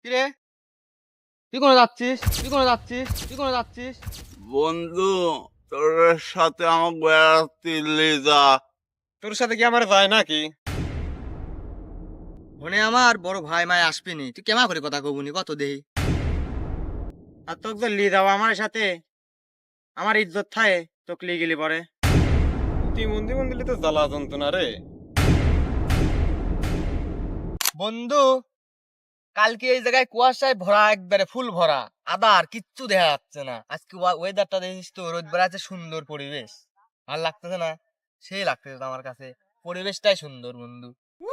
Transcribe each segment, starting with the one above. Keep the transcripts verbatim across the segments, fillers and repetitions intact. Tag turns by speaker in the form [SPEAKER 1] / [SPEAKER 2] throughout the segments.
[SPEAKER 1] কিরে, তুই কোনে যাচ্ছিস? তুই কোনে যাচ্ছিস? তুই কোনে যাচ্ছিস?
[SPEAKER 2] বন্ধু, তোর সাথে আমার বেড়াতে নিয়ে যা।
[SPEAKER 3] তোর সাথে কি আমার যায় নাকি?
[SPEAKER 1] মনে আমার বড় ভাই মায় আসবিনি, তুই কেমা করে কথা কবুনি কত দেহি।
[SPEAKER 3] আর তোকে তো লি যাবো আমার সাথে, আমার ইজ্জত থাকে তোকে লি গেলি পরে। তুই মন্দির মন্দিরে তো জ্বালা যন্ত্রণা রে।
[SPEAKER 1] বন্ধু, কালকে এই জায়গায় কুয়াশায় ভরা, একবারে ফুল ভরা, আদা আর কিচ্ছু দেখা যাচ্ছে না। আজকে ওয়েদারটা দেখিস তো, রোদ বেড়াচ্ছে, সুন্দর পরিবেশ। আর লাগতেছে না? সেই লাগতেছে তো আমার কাছে, পরিবেশটাই সুন্দর বন্ধু।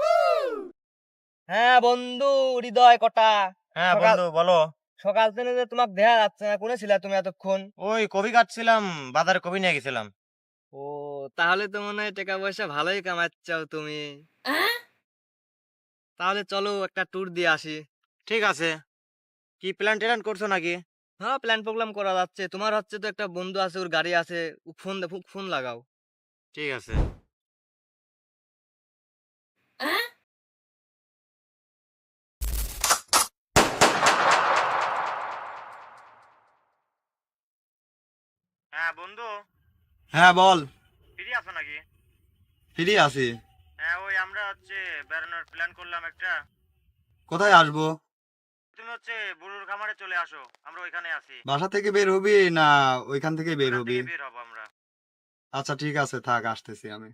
[SPEAKER 1] হ্যাঁ বন্ধু, হৃদয় কটা।
[SPEAKER 3] হ্যাঁ
[SPEAKER 1] সকাল
[SPEAKER 3] বন্ধু বলো।
[SPEAKER 1] সকাল থেকে যে তোমাকে দেখা যাচ্ছে না, কোনে ছিলা তুমি এতক্ষণ?
[SPEAKER 3] ওই কবি কাটছিলাম, বাজারে কবি নিয়ে গেছিলাম।
[SPEAKER 1] ও, তাহলে তো মনে হয় টাকা পয়সা ভালোই কামাচ্ছাও তুমি। তাহলে চলো একটা ট্যুর দিয়ে আসি।
[SPEAKER 3] ঠিক আছে, কি প্ল্যান ট্যান করছো নাকি?
[SPEAKER 1] হ্যাঁ, প্ল্যান প্রোগ্রাম করা যাচ্ছে। তোমার হচ্ছে তো একটা বন্ধু আছে, ওর গাড়ি আছে, ও ফোন দে, ফোন লাগাও।
[SPEAKER 3] ঠিক আছে। হ্যাঁ বন্ধু,
[SPEAKER 2] হ্যাঁ বল।
[SPEAKER 3] ফ্রি আছো নাকি?
[SPEAKER 2] ফ্রি আছি।
[SPEAKER 3] হ্যাঁ ওই আমরা হচ্ছে বেড়ানোর প্ল্যান করলাম একটা।
[SPEAKER 2] কোথায় আসবো?
[SPEAKER 3] তুমি হচ্ছে বুড়ুর খামারে চলে আসো, আমরা ওইখানে আছি।
[SPEAKER 2] বাসা থেকে বের হবি না ওইখান থেকে বের
[SPEAKER 3] ওখান
[SPEAKER 2] হবি?
[SPEAKER 3] থেকে বের হবো আমরা।
[SPEAKER 2] আচ্ছা ঠিক আছে, থাক, আসতেছি আমি।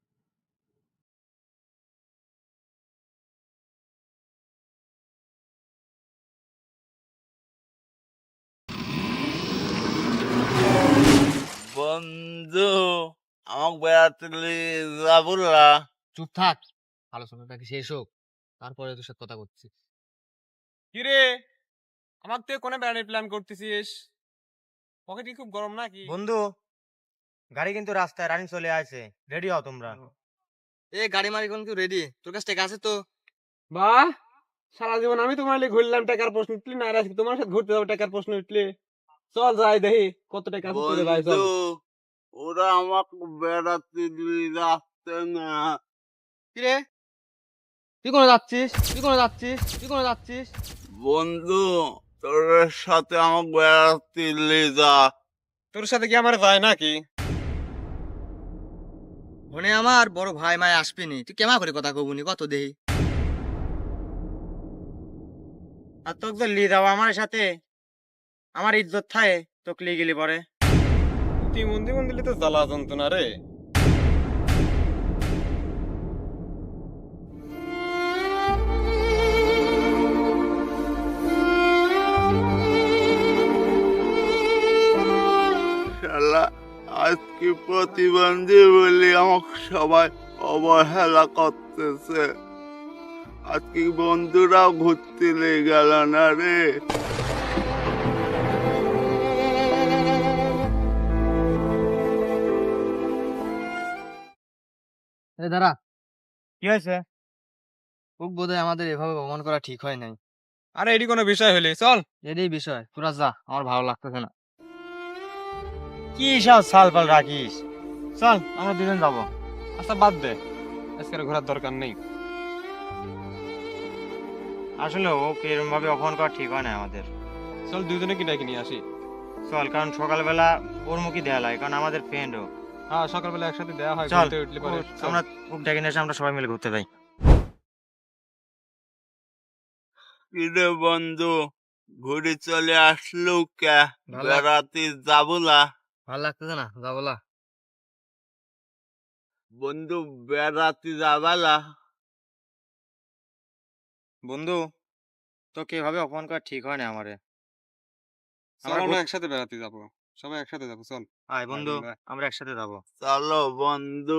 [SPEAKER 2] বন্ধু, আমাকে বেড়াতে নিয়ে যাবো না?
[SPEAKER 1] চুপ থাক, আলোচনাটা কি শেষ হোক, তারপরে তোর সাথে কথা করছি।
[SPEAKER 4] কিরে, আমার তুই কোনে বেড়ানোর প্ল্যান করতেছিস? পকেট কি খুব গরম নাকি?
[SPEAKER 3] বন্ধু, গাড়ি কিন্তু রাস্তায় রানিং চলে আসে, রেডি হও তোমরা।
[SPEAKER 1] এ গাড়ি মারি কোন কেউ রেডি? তোর কাছে টাকা আছে তো?
[SPEAKER 4] বাহ, সারা জীবন আমি তোমার লিগে ঘুরলাম, টাকার প্রশ্ন উঠলি না, আর আজকে তোমার সাথে ঘুরতে যাবো, টাকার প্রশ্ন উঠলি। চল যাই দেখি কত টাকা আছে তোরে ভাই, চল।
[SPEAKER 2] বন্ধু, ওরা আমাকে বেড়াতে নিয়ে যাচ্ছে না।
[SPEAKER 1] কিরে, তুই কোনে যাচ্ছিস? তুই কোনে যাচ্ছিস? তুই কোনে যাচ্ছিস?
[SPEAKER 2] বন্ধু, তোর সাথে আমাকে বেড়াতে নিয়ে যা।
[SPEAKER 3] তোর সাথে কি আমার যায় নাকি?
[SPEAKER 1] মনে আমার বড় ভাই মায় আসবিনি, তুই কেমা করে কথা কবুনি কত দেহি।
[SPEAKER 3] আর তোকে তো লি যাবো আমার সাথে, আমার ইজ্জত থাকে তোকে লি গেলি পরে। তুই মন্দির মন্দিরে তো জ্বালা যন্ত্রণা রে।
[SPEAKER 2] শালা, আজকে প্রতিবন্ধী বলে আমাকে সবাই অবহেলা করতেছে। আজকে বন্ধুরাও ঘুরতে নিয়ে গেল না রে।
[SPEAKER 1] এ দাঁড়া,
[SPEAKER 3] কি হয়েছে?
[SPEAKER 1] খুব বোধহয় আমাদের এভাবে ভ্রমণ করা ঠিক হয় নাই।
[SPEAKER 3] আরে এটি কোনো বিষয় হলে চল।
[SPEAKER 1] এটাই বিষয়, তোরা যা, আমার ভালো লাগতেছে না।
[SPEAKER 3] কি সব সালপাল রাখিস? চল আমরা দুজন যাবো।
[SPEAKER 4] আচ্ছা বাদ দে, আজকে আর ঘোরার দরকার নেই।
[SPEAKER 3] আসলে ওকে এরকম ভাবে অপমান করা ঠিক হয় না আমাদের।
[SPEAKER 4] চল দুজনে কি ডেকে নিয়ে আসি।
[SPEAKER 3] চল, কারণ সকালবেলা ওর মুখই দেয়া লাগে, কারণ আমাদের ফ্রেন্ড ও।
[SPEAKER 4] হ্যাঁ, সকালবেলা একসাথে দেওয়া হয়,
[SPEAKER 3] চল
[SPEAKER 4] ঘুরতে উঠলে পরে।
[SPEAKER 3] ও- আমরা ওকে ডেকে নিয়ে এসে আমরা সবাই মিলে ঘুরতে যাই।
[SPEAKER 2] কিরে বন্ধু, ঘুরে চলে আসলো কে?
[SPEAKER 1] ভালো।
[SPEAKER 2] বেড়াতে যাবো না?
[SPEAKER 1] ভালো লাগতেছে না, যা বলা।
[SPEAKER 2] বন্ধু, বেড়াতে যাবা না?
[SPEAKER 3] বন্ধু, তোকে এভাবে অপমান করা ঠিক হয় না আমারে।
[SPEAKER 4] চল
[SPEAKER 3] আমরা
[SPEAKER 4] আমরা
[SPEAKER 3] ঘুর-
[SPEAKER 4] একসাথে বেড়াতে যাবো, সবাই একসাথে যাবো, চল।
[SPEAKER 3] আয় বন্ধু,
[SPEAKER 4] বন্ধু, আয়।
[SPEAKER 3] আমরা একসাথে যাবো।
[SPEAKER 2] চলো বন্ধু।